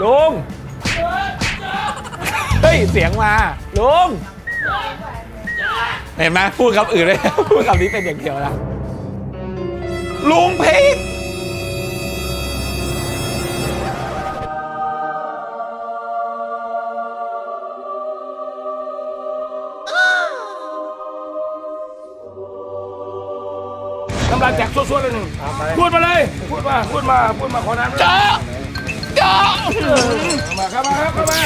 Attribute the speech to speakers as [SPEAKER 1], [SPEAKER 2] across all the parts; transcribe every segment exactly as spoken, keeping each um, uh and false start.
[SPEAKER 1] ลุงเฮ้ยเสียงมาลุงเห็นไหมพูดคำอื่นเลยพูดคำนี้เป็นอย่างเดียวนะลุงพีก
[SPEAKER 2] น้ำลายแตกส่วนๆเลยหนึ่งพูดมาเลยพูดมาพูดมาพูดมาขอน้ำจ้าจ้ามาครับมาครับมา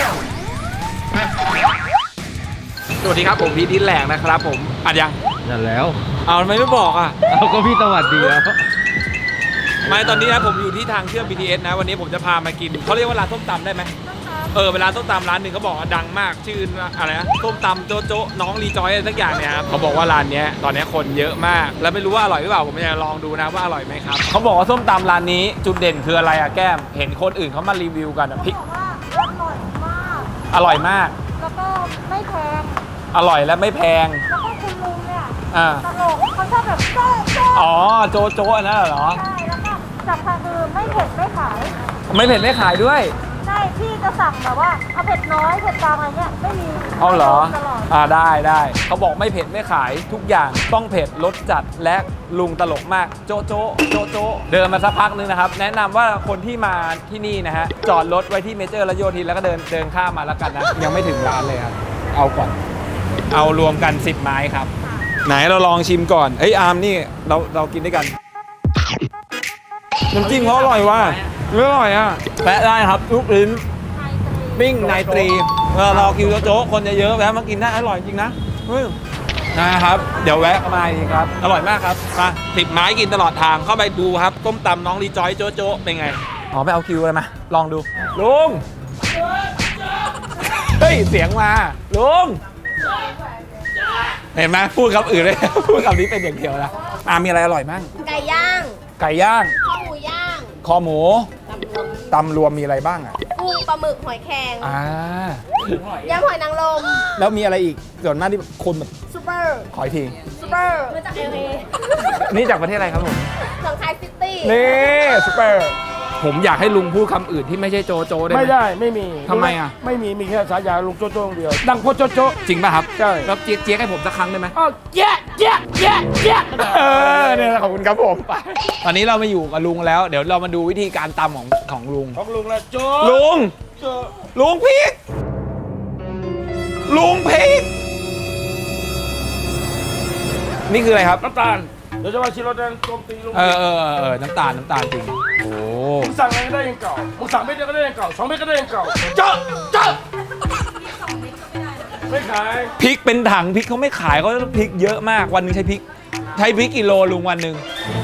[SPEAKER 1] สวัสดีครับผมพีทดินแหลกนะครับผมอัดยัง
[SPEAKER 3] นั่นแล้ว
[SPEAKER 1] เอาทำไมไม่บอกอ่ะ
[SPEAKER 3] เอาก็พี่สวัสดีแล้ว
[SPEAKER 1] ไม่ตอนนี้นะผมอยู่ที่ทางเชื่อม บี ที เอส นะวันนี้ผมจะพามากินเขาเรียกว่าร้านส้มตำได้ไหมเออเวลาส้มตำร้านหนึ่งเขาบอกว่าดังมากชื่ออะไรนะส้มตำโจ๊ะโจ๊ะน้องรีจอยอะไรสักอย่างเนี่ยครับเขาบอกว่าร้านนี้ตอนนี้คนเยอะมากแล้วไม่รู้ว่าอร่อยหรือเปล่าผมจะลองดูนะว่าอร่อยไหมครับเขาบอกว่าส้มตำร้านนี้จุดเด่นคืออะไรอะแก้มเห็นคนอื่นเขามารีวิวกันอะพริก
[SPEAKER 4] อร่อยมาก
[SPEAKER 1] อร่อยมาก
[SPEAKER 4] แล้วก็ไม่แพง
[SPEAKER 1] อร่อยและไม่แพง
[SPEAKER 4] แล้วก็คุณลุงเนี่ย
[SPEAKER 1] อ่า
[SPEAKER 4] ตลกเขาชอบแบบโจ๊ะโจ๊ะ
[SPEAKER 1] อ๋อโจ๊ะโจ๊ะอันนั้นเหรอ
[SPEAKER 4] ใช่แล้วก็จับทางคือไม่เผ็ดไม่ขาย
[SPEAKER 1] ไม่เผ็ดไม่ขายด้วย
[SPEAKER 4] ใช่พี่จะสั่งแบบว่าเอาเผ็ดน้อยเผ็ดกลางอะไรเงี้ยไม่มี
[SPEAKER 1] เอาเหรอ
[SPEAKER 4] ตลอด
[SPEAKER 1] อ่าได้ได้เขาบอกไม่เผ็ดไม่ขายทุกอย่างต้องเผ็ดรสจัดและลุงตลกมากโจ๊ะโจ๊ะโจ๊ะโจ๊ะเดินมาสักพักนึงนะครับแนะนำว่าคนที่มาที่นี่นะฮะจอดรถไว้ที่เมเจอร์และโยธินแล้วก็เดินเดินข้ามมาแล้วกันนะยังไม่ถึงร้านเลยครับเอาก่อนเอารวมกันสิบไม้ครับไหนเราลองชิมก่อนเอ้ยอาร์มนี่เราเรากินด้วยกันน้ำจิ้มเขาอร่อยว่ะอร่อยอ่ะแปะได้ครับลูกลิ้นปิ้งไนตรีเวลาเราคิวโจ๊กคนเยอะๆแวะมากินได้อร่อยจริงนะนะครับเดี๋ยวแวะมาอีกครับอร่อยมากครับมาสิบไม้กินตลอดทางเข้าไปดูครับต้มตำน้องรีจอยโจ๊ะโจ๊ะเป็นไงอ๋อไปเอาคิวเลยมาลองดูลุงเฮ้ยเสียงมาลุงเห็นไหมพูดคำอื่นเลยพูดคำนี้เป็นอย่างเดียวนะอ่ามีอะไรอร่อยมั่ง
[SPEAKER 4] ไก่ย่าง
[SPEAKER 1] ไก่ย่าง
[SPEAKER 4] ข้าวหมูย่าง
[SPEAKER 1] คอหมูตำรวมมีอะไรบ้างอ่ะ
[SPEAKER 4] กุ้งปลาหมึกหอยแครง
[SPEAKER 1] อ่าย
[SPEAKER 4] ำหอยนางรม
[SPEAKER 1] แล้วมีอะไรอีกส่วนมากที่คนแบบ
[SPEAKER 4] ซูเปอร์
[SPEAKER 1] ขออีกที
[SPEAKER 4] ซูเปอร์มาจากเอเอ
[SPEAKER 1] นี่จากประเทศอะไรครับผม
[SPEAKER 4] หนองคายซิตี้
[SPEAKER 1] นี่ซุปเปอร์ผมอยากให้ลุงพูดคำอื่นที่ไม่ใช่โจโจได้ไหม
[SPEAKER 2] ไม่ได้ไม่มี
[SPEAKER 1] ทำไมอ่ะ
[SPEAKER 2] ไม่มีมีแค่สายาลุงโจ๊ะโจ๊ะเดียวดังโพโจ๊ะโจ๊ะ
[SPEAKER 1] จริงป่ะครับ
[SPEAKER 2] ใช่
[SPEAKER 1] แล้วเจี๊ยกเจี๊ยกให้ผมสักครั้งได้ไหม
[SPEAKER 2] อ้าวแจ๊ะแจ๊ะแจ๊ะแจ๊ะ
[SPEAKER 1] เออเนี่ยขอบคุณครับผมไปตอนนี้เรามาอยู่กับลุงแล้ว เดี๋ยวเรามาดูวิธีการตำของของลุง
[SPEAKER 2] ของลุงละโจ๊ะ
[SPEAKER 1] ลุง
[SPEAKER 2] โจ๊ะ
[SPEAKER 1] ลุงพีกลุงพีกนี่คืออะไรครับ
[SPEAKER 2] น้ำตาลเดี๋ยวจะมาชิรสแดงโจมตีลุง
[SPEAKER 1] เออเออเออเออน้ำตาลน้ำตาลจริงโอ้
[SPEAKER 2] มึงสั่งอะไรก็ได้ยังเก่ามึงสั่งเม็ดเดียวก็ได้ยังเก่าสองเม็ดก็ได้ยังเก่าโจ๊ะโจ๊ะไม่ขาย
[SPEAKER 1] พริกเป็นถังพริกเขาไม่ขายเขาพริกเยอะมากวันหนึงใช้พริกใช้พริกกิโลลุงวันหนึ่ง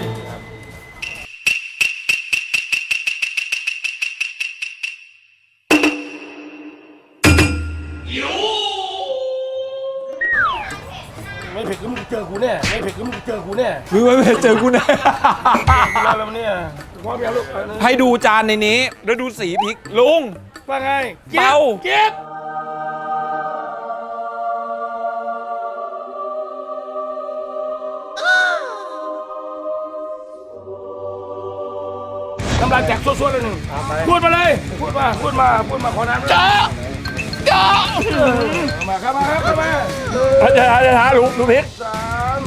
[SPEAKER 2] ไม่เผ็ดก็มึงเจอกูแน่ไม่เผ็ดก็มึงเจอกูแน่
[SPEAKER 1] ไม่ไม่เจอกูนะ
[SPEAKER 2] แล้วแล้วเนี่ยว่าเมียลูก
[SPEAKER 1] ให้ดูจานในนี้แล้วดูสีพริกลุง
[SPEAKER 2] ว่าไง
[SPEAKER 1] เบา
[SPEAKER 2] เก็บน้ำลายแตกส่วนๆเลยหนึ่งพูดมาเลยพูดมาพูดมาพูดมาขอน้ำจ้าจ้ามาครับมาครับมา
[SPEAKER 1] จะท้าจะท้าลุงลุงพริก
[SPEAKER 2] สาม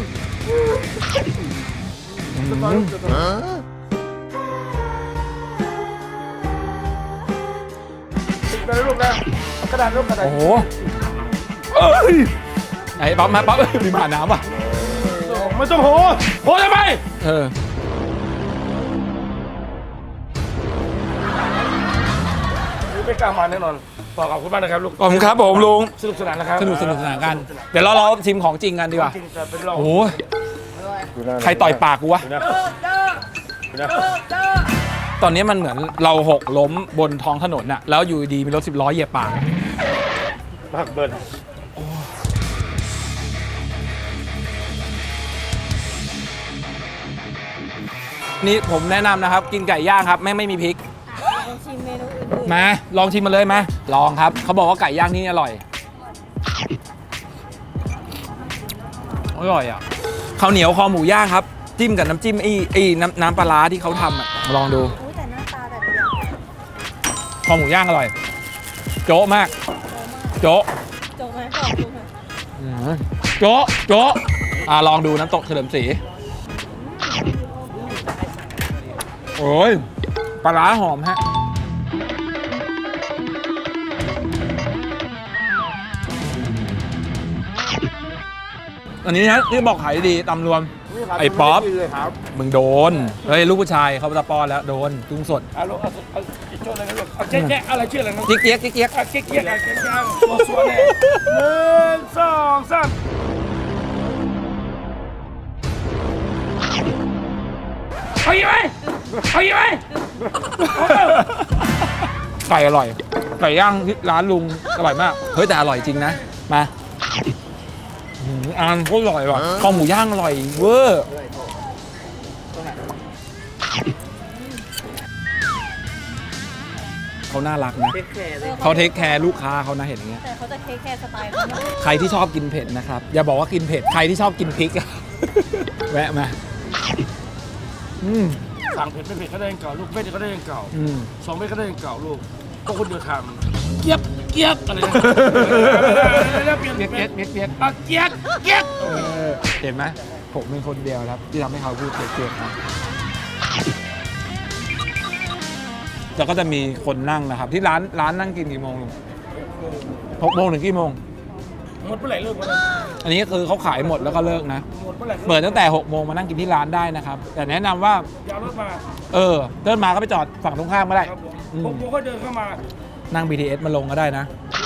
[SPEAKER 2] ติดไปเลยลูกนะเอากระดาษลูกกระดาษ
[SPEAKER 1] โอ้โหเอ้ยไหนปั๊บมาปั๊บเอ้ยมีหมาน้ำว่ะ
[SPEAKER 2] ไม่ต้องโหโหทำไม
[SPEAKER 1] เออ
[SPEAKER 2] ไม่กล้ามาแน่นอนบอกขอบคุณมากนะครับลูก
[SPEAKER 1] ขอบคุณครับผมลุง
[SPEAKER 2] สนุกสนานนะครับ
[SPEAKER 1] สนุกสนุกสนานกัน เดี๋ยวเราเราชิมของจริงกันดีกว่า
[SPEAKER 2] จริงจะเป็นเรา
[SPEAKER 1] โอ้โหใครต่อยปากกูวะ ตอนนี้มันเหมือนเราหกล้มบนท้องถนนน่ะ แล้วอยู่ดีมีรถสิบล้อเหยียบปาก
[SPEAKER 2] ปากเบิร์น
[SPEAKER 1] นี่ผมแนะนำนะครับ กินไก่ย่างครับไม่ไม่มีพริก
[SPEAKER 4] ชิมเมนูอื่น
[SPEAKER 1] มาลองชิมมาเลยมาลองครับเขาบอกว่าไก่ย่างที่นี่อร่อยอร่อยอ่ะข้าวเหนียวคอหมูย่างครับจิ้มกับน้ำจิ้มไอ้ไอ้น้ำน้ำปลาร้าที่เขาทำอ่ะลองดู
[SPEAKER 4] ๆอุ้ยแต่หน้าตาแต่ละอย่าง
[SPEAKER 1] คอหมูย่างอร่อย โจ๊ะมาก โจ๊ะ
[SPEAKER 4] จบไหมบอกดูไหม
[SPEAKER 1] อืมโจ๊ะโจ๊ะอ่าลองดูน้ำตกเฉลิมศรีโอ้ยปลาร้าหอมฮะอันนี้นะที่บอกขายดีตำรวม ไอ้ป๊อป มึงโดน เฮ้ย ลูกผู้ชายเขาจะป้อนแล้วโดนกุ้งสด
[SPEAKER 2] เอาลูกเอาเอาอีกโจ้เลยนะลูกเอาแจ๊ะแจ๊ะอะไรชื่ออะไรนะ
[SPEAKER 1] เจี๊ยกเจี๊ยกเจี๊ยก
[SPEAKER 2] เอาเก๊กเก๊กเอาเก๊กเก๊กตัวสวยเลยหนึ่งสองสามเอาอีกไหมเอาอีกไหม
[SPEAKER 1] ไก่อร่อย ไก่ย่างที่ร้านลุงอร่อยมาก เฮ้ยแต่อร่อยจริงนะ มาอืมอ่านโคตรอร่อยว่ะข้าวหมูย่างอร่อยเวอร์เขาน่ารักนะเขาเทคแคร์ลูกค้าเขานะเห็นอย่างเงี้ย
[SPEAKER 4] แต่เขาจะเทคแคร์สไตล์เขาเนอะ
[SPEAKER 1] ใครที่ชอบกินเผ็ดนะครับ อย่าบอกว่ากินเผ็ด ใครที่ชอบกินพริกอะ แวะมาอืม
[SPEAKER 2] สั่งเผ็ดไม่เผ็ดก็ได้ยังเก่าลูกเผ็ดก็ได้ยังเก่า
[SPEAKER 1] อืม
[SPEAKER 2] สองเม็ดก็ได้ยังเก่าลูกก็คนเดียวทำเกียบเกียบอะไรนะเปลี่ยน
[SPEAKER 1] เปียก
[SPEAKER 2] เป
[SPEAKER 1] เปี
[SPEAKER 2] ลี่
[SPEAKER 1] ย
[SPEAKER 2] ย
[SPEAKER 1] ก
[SPEAKER 2] น
[SPEAKER 1] เปียกเปียก
[SPEAKER 2] อ่ะเกียบเกียบ
[SPEAKER 1] เห็นไหมผมเป็นคนเดียวครับ ที่ทำให้เขาพูดเปียกเปียกนะแล้วก็จะมีคนนั่งนะครับ ที่ร้านร้านนั่งกินกี่โมงลุงหกโมงถึงกี่โมง
[SPEAKER 2] หมดเมื่อไหร่เลิกวะเนี่ย
[SPEAKER 1] อันนี้คือเขาขายหมดแล้วก็เลิกนะ
[SPEAKER 2] หมดเมื่อไหร่
[SPEAKER 1] เปิดตั้งแต่หกโมงมานั่งกินที่ร้านได้นะครับ แต่แนะนำว่า
[SPEAKER 2] ยาวรถมา
[SPEAKER 1] เออเดินมาก็ไปจอดฝั่งตรงข้ามก็ได้
[SPEAKER 2] ครับผม
[SPEAKER 1] อืม
[SPEAKER 2] ผมผมก็เดินเข้ามา
[SPEAKER 1] นั่ง บี ที เอส มาลงก็ได้นะ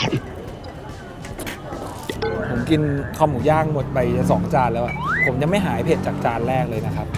[SPEAKER 1] ผมกินข้าวหมูย่างหมดไปจะสองจานแล้วอะผมยังไม่หายเผ็ดจากจานแรกเลยนะครับ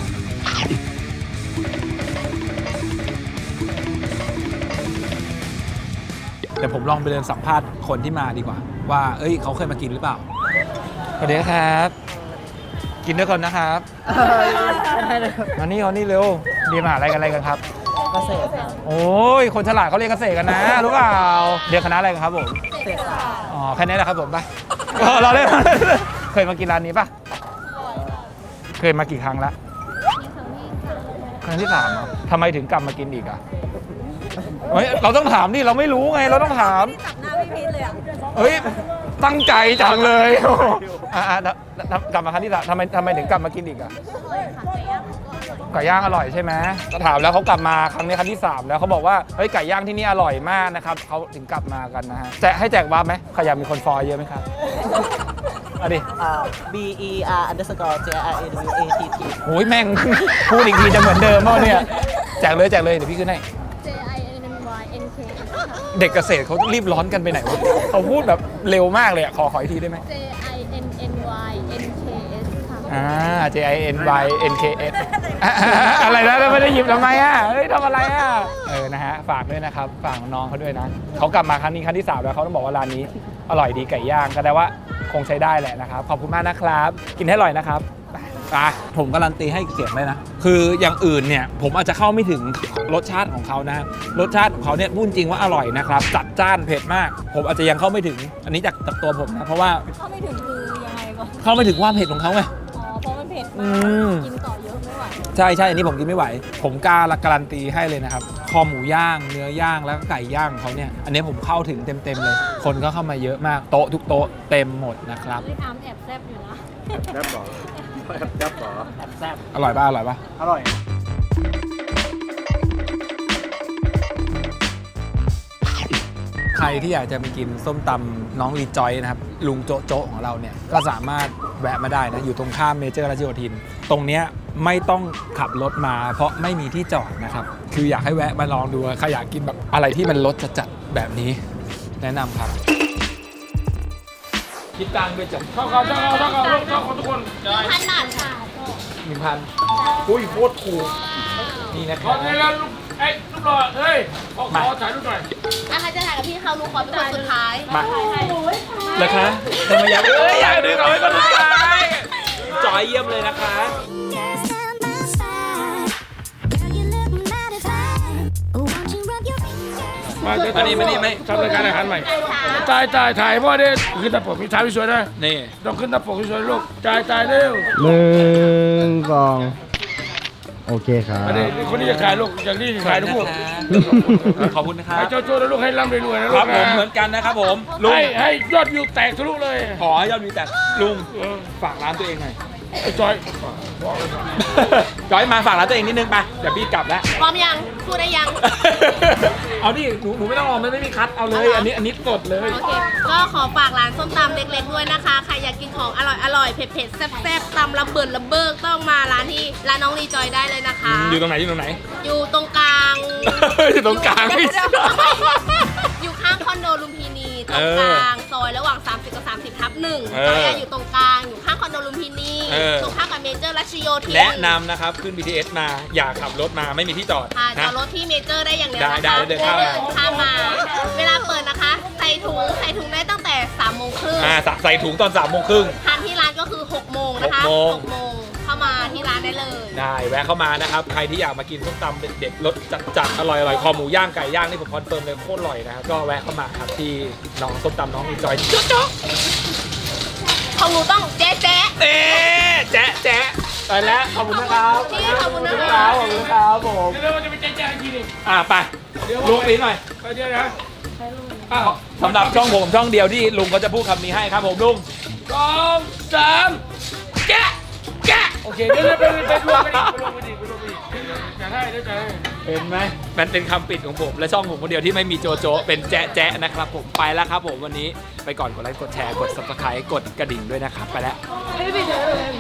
[SPEAKER 1] เดี๋ยวผมลองไปเดินสัมภาษณ์คนที่มาดีกว่า ว่าเอ้ยเขาเคยมากินหรือเปล่าสวัสดีครับ กินด้วยกันนะครับ มานี่เขานี่เร็วเรียนมหาลัยกันอะไรกันครับ
[SPEAKER 3] เกษตรครับ
[SPEAKER 1] โอ้ย คนฉลาดเขาเรียนเกษตรกันนะ รู้เปล่าเรียนคณะอะไรกันครับผม
[SPEAKER 3] เกษตรศาสตร์
[SPEAKER 1] อ๋อ แค่นี้แหละครับผมไป เออเราเล่น เคยมากินร้านนี้ปะเคยมากี่ครั้งละครั้งที่สามเหรอทำไมถึงกลับมากินอีกอ่ะเฮ้ยเราต้องถามดิเราไม่รู้ไงเราต้องถาม
[SPEAKER 4] จับหน้าพี่พีทเลยอ่ะ
[SPEAKER 1] เฮ้ย ตั้งใจจังเลย อ่ะๆแล้วแล้วกลับมาครั้งที่สามทำไมทำไมถึงกลับมากินอีกอ่ะไก่ย่างอร่อยใช่ไหมก็ถามแล้วเขากลับมาครั้งนี้ครั้งที่สามแล้วเขาบอกว่าเฮ้ยไก่ย่างที่นี่อร่อยมากนะครับเขาถึงกลับมากันนะฮะแจกให้แจกวาร์ปไหมใครอยากมีคนฟอลเยอะไหมครับเอาดิ
[SPEAKER 3] อ่า B E R underscore J R A W A T T
[SPEAKER 1] โอ้ยแม่ง พูดอีกทีจะเหมือนเดิมเปล่าเนี่ยแจกเลยแจกเลยเดี๋ยวพี่ขึ้นให้
[SPEAKER 4] J I N N Y N K
[SPEAKER 1] เด็กเกษตรเขารีบร้อนกันไปไหนวะเขาพูดแบบเร็วมากเลยอะขอขออีกทีได้ไหม
[SPEAKER 4] J I N N Y N K S ค่ะ
[SPEAKER 1] อ่า J I N Y N K S อะไรนะแล้วไม่ได้หยิบทำไมอ่ะเฮ้ยทำอะไรอ่ะเออนะฮะฝากด้วยนะครับฝากน้องเขาด้วยนะเขากลับมาครั้งนี้ครั้งที่สามแล้วเขาต้องบอกว่าร้านนี้อร่อยดีไก่ย่างก็ได้ว่าคงใช้ได้แหละนะครับขอบคุณมากนะครับ กินให้อร่อยนะครับอ่ะผมการันตีให้เสียงเลยนะคืออย่างอื่นเนี่ยผมอาจจะเข้าไม่ถึงรสชาติของเขานะรสชาติของเขาเนี่ยพูดจริงว่าอร่อยนะครับจัดจ้านเผ็ดมาก ผมอาจจะยังเข้าไม่ถึงอันนี้จากจากตัวผมนะเพราะว่า
[SPEAKER 4] เข้าไม่ถึงคือยังไงก่อน
[SPEAKER 1] เข้าไม่ถึงความเผ็ดของเขาไง
[SPEAKER 4] อ๋อ เพราะมันเผ็ด
[SPEAKER 1] อื
[SPEAKER 4] มาก
[SPEAKER 1] ม
[SPEAKER 4] กินต่อเยอะไม่ไหว
[SPEAKER 1] ใช่ใช่อันนี้ผมกินไม่ไหว ผมกล้าการันตีให้เลยนะครับคอหมูย่างเนื้อย่างแล้วก็ไก่ย่างของเขาเนี่ยอันนี้ผมเข้าถึงเต็มๆเลย คนก็เข้ามาเยอะมากโต๊ะทุกโต๊ะเต็มหมดนะครับ
[SPEAKER 4] พี่อาร์มแอบแซบอยู่นะ
[SPEAKER 2] แซ่บหรอแซ่บหรอ
[SPEAKER 3] แซ่บ
[SPEAKER 1] อร่อยป่ะอร่อยป่ะ
[SPEAKER 2] อร่อย
[SPEAKER 1] ใครที่อยากจะไปกินส้มตำน้องรีจอยนะครับลุงโจะโจะของเราเนี่ยก็สามารถแวะมาได้นะอยู่ตรงข้ามเมเจอร์ราชโยธิน ตรงเนี้ยไม่ต้องขับรถมาเพราะไม่มีที่จอดนะครับคืออยากให้แวะมาลองดูใครอยากกินแบบอะไรที่มันรสจัดๆแบบนี้แนะนำครับคิดตังค์ไปจับ
[SPEAKER 2] เข้าเขาเข้าเขาเข้าเขาลูกเข้าเขาทุกคน
[SPEAKER 4] พันบาทค่ะ
[SPEAKER 1] หนึ่งพันอุ้ยโคตรถูกนี่นะค
[SPEAKER 2] ข
[SPEAKER 1] รั
[SPEAKER 2] อบ ให้แล้วลูกไอ้ยรูปหล่อเฮ้ยขอขอถ่ายรูปหน่อย
[SPEAKER 4] อ่ะใครจะถ่ายกับพี่เขาลูกขอเป็นคนสุดท้าย
[SPEAKER 1] มาเลยคะทำไมอยากเอ้ยอยากดึงเอาไว้คนสุดท้ายจอยเยี่ยมเลยนะคะ
[SPEAKER 5] Just stand by side. Girl, you look mighty fine. Won't you rub your fingers?
[SPEAKER 2] มาเดี๋ยว
[SPEAKER 1] มานี่มานี่ไหม
[SPEAKER 2] ทำรายการอาหารใหม่จ่ายจ่ายถ่ายพ่อเด้ขึ้นตาปกมีถ่ายสวยๆนะ
[SPEAKER 1] นี่
[SPEAKER 2] ต้องขึ้นตาปกสวยๆลูกจ่ายจ่ายเร็ว
[SPEAKER 6] หนึ่งสองโอเคครับ
[SPEAKER 2] อันนี้คนที่จะขายลูกอย่างนี้ขายทุกพวก
[SPEAKER 1] ขอบคุณนะครับ
[SPEAKER 2] ให้โจ้ๆแล้วลูกให้ร่ำรวยๆนะ
[SPEAKER 1] ค
[SPEAKER 2] ลู
[SPEAKER 1] รับ
[SPEAKER 2] ก
[SPEAKER 1] ผม
[SPEAKER 2] นะ
[SPEAKER 1] เหมือนกันนะครับผมลุง
[SPEAKER 2] ให้ให้ยอดวิวแตกทะลุเลย
[SPEAKER 1] ขอให้ยอดวิวแต่ลุงฝากร้านตัวเองหน่อย
[SPEAKER 2] ไอ้จอย
[SPEAKER 1] จอยมาฝากร้านตัวเองนิดนึงไปเดี๋ยวพี่กลับแล้ว
[SPEAKER 7] พร้อมยัง พูดได้ยัง
[SPEAKER 1] เอาดิหนูหนูไม่ต้องรอมันไม่มีคัดเอาเลย อันนี้อันนี้สดเลย
[SPEAKER 7] โอเค ก็ขอฝากร้านส้มตำเล็กๆด้วยนะคะ ใครอยากกินของอร่อยอร่อยๆเผ็ดๆ แซ่บๆ ตำระเบิดระเบิกต้องมาร้านที่ร้านน้องรีจอยได้เลยนะคะ
[SPEAKER 1] อยู่ตรงไหนอยู่ตรงไหน
[SPEAKER 7] อยู่ตรงกลาง
[SPEAKER 1] อยู่ตรงกลางไม่ใช่
[SPEAKER 7] อยู่ข้างคอนโดลุมพินีตรงกลางซอยระหว่าง สามสิบ กับ สามสิบ ทับหนึ่ง
[SPEAKER 1] เออ
[SPEAKER 7] จอยอะอยู่ตรงกลาง อยู่ข้างคอนโดลุมพินี
[SPEAKER 1] เออ
[SPEAKER 7] ตรงข้ามกับเมเจอร์รัชโยธิน
[SPEAKER 1] แนะนำนะครับ ขึ้น บี ที เอส มาอย่าขับรถมาไม่มีที่จอด
[SPEAKER 7] ค่ะจ
[SPEAKER 1] นะ
[SPEAKER 7] อดรถที่เมเจอร์ได้อย่างเดียว
[SPEAKER 1] ได้
[SPEAKER 7] นะคะ
[SPEAKER 1] ได้เดินข้ามมา
[SPEAKER 7] ข้ามมา เวลาเปิดนะคะ ใส่ถุงใส่ถุงได้ตั้งแต่สามโมงครึ่ง
[SPEAKER 1] อ่าใส่ถุงตอนสามโมงครึ่ง
[SPEAKER 7] ทานที่ร้านก็คือหกโมงนะคะ
[SPEAKER 1] หกโมง
[SPEAKER 7] หกโมงเข้ามาที่ร้านได้เลย
[SPEAKER 1] ได้แวะเข้ามานะครับ ใครที่อยากมากินส้มตำเด็ดๆรสจัดๆอร่อยๆคอหมูย่างไก่ย่างนี่ผมคอนเฟิร์มเลยโคตรอร่อยนะครับก็แวะเข้ามาครับที่น้องส้มตำน้องอีจอยจ๊อกจ๊อก
[SPEAKER 7] ของหนูต้องแจ๊ะแจ๊ะ
[SPEAKER 1] เอ๊ะแจ๊ะแจ๊ะไปแล้วขอบคุณนะครับ
[SPEAKER 7] พี่ขอบคุณนะ
[SPEAKER 1] ค
[SPEAKER 7] คะ
[SPEAKER 1] รับขอบคุณครับผม
[SPEAKER 2] เดี๋ยวเราจะไปแจ้งๆทีนึง
[SPEAKER 1] อ่ะไปลุงปีหน่อย
[SPEAKER 2] ไปเดี๋ยวนะอ้าว
[SPEAKER 1] สำหรับช่องผมช่องเดียวที่ลุงก็จะพูดคำนี้ให้ครับผมลุง
[SPEAKER 2] สองสามแกะแกะโอเคเดี๋ยวไปไปรวมกันอีกไปรวมกันอีกไปรวมกันอีกจะให้เดี๋ยวจะให้
[SPEAKER 1] เห็นไหมมันเป็นคำปิดของผม และช่องผมคนเดียวที่ไม่มีโจโจเป็นแจ๊ะแจ๊ะนะครับผมไปแล้วครับผมวันนี้ไปก่อนกดไลค์กดแชร์กด ซับสไครบ์ กดกระดิ่งด้วยนะครับไปแล้ว